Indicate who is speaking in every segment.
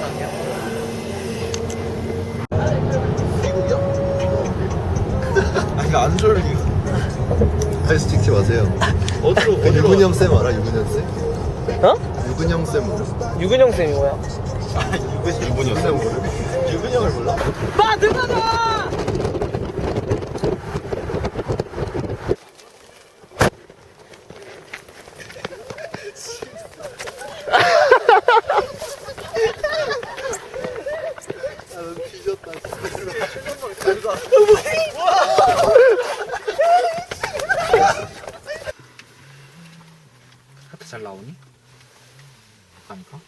Speaker 1: 아니야?
Speaker 2: 미국이야?
Speaker 3: 아니 안 졸려.
Speaker 2: 아이스 찍지 마세요.
Speaker 3: 어디로
Speaker 2: 그 유근영 쌤 알아? 유근영 쌤?
Speaker 1: 어?
Speaker 2: 유근영 쌤 모르?
Speaker 1: 유근영 쌤이 뭐야?
Speaker 3: 유근영
Speaker 2: 유근영 모르? 유근영을 몰라?
Speaker 1: 빠 등하다!
Speaker 2: 나는 뒤졌다.
Speaker 3: 하트 잘 나오니? 잠깐만.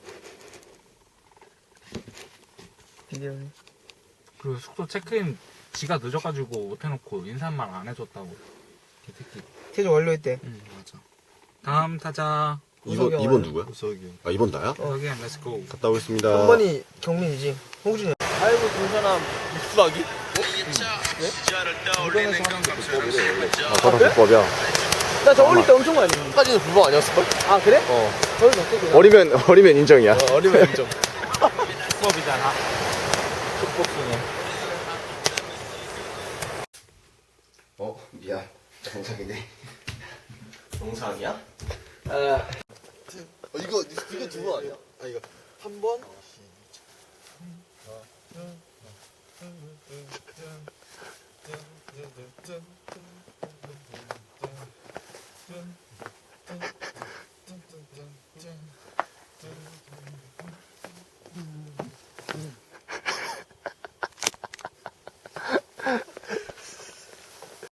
Speaker 1: 비디오네.
Speaker 3: 그리고 숙소 체크인 지가 늦어가지고 못해놓고 인사말 안 해줬다고. 개새끼.
Speaker 1: 체조 완료했대.
Speaker 3: 응 맞아. 다음 타자.
Speaker 1: 우석이 형
Speaker 4: 2번 누구야?
Speaker 2: 우석이.
Speaker 4: 아 2번 나야?
Speaker 3: 여기 렛츠고.
Speaker 4: 갔다 오겠습니다.
Speaker 1: 3번이 경민이지. 홍준이. 아이고 동선아 입수하기?
Speaker 4: 바로 불법이야.
Speaker 1: 나 저 어릴 때 엄청 많이 했는데.
Speaker 4: 까지는 불법 아니었을걸?
Speaker 1: 아 그래? 거기서 어떻게
Speaker 4: 어리면 인정이야.
Speaker 2: 어리면 인정.
Speaker 3: 수업이잖아. 축복수네.
Speaker 4: 미안. 정상이네.
Speaker 1: 정상이야?
Speaker 2: 이거 두 번 아니야? 아 이거 한 번?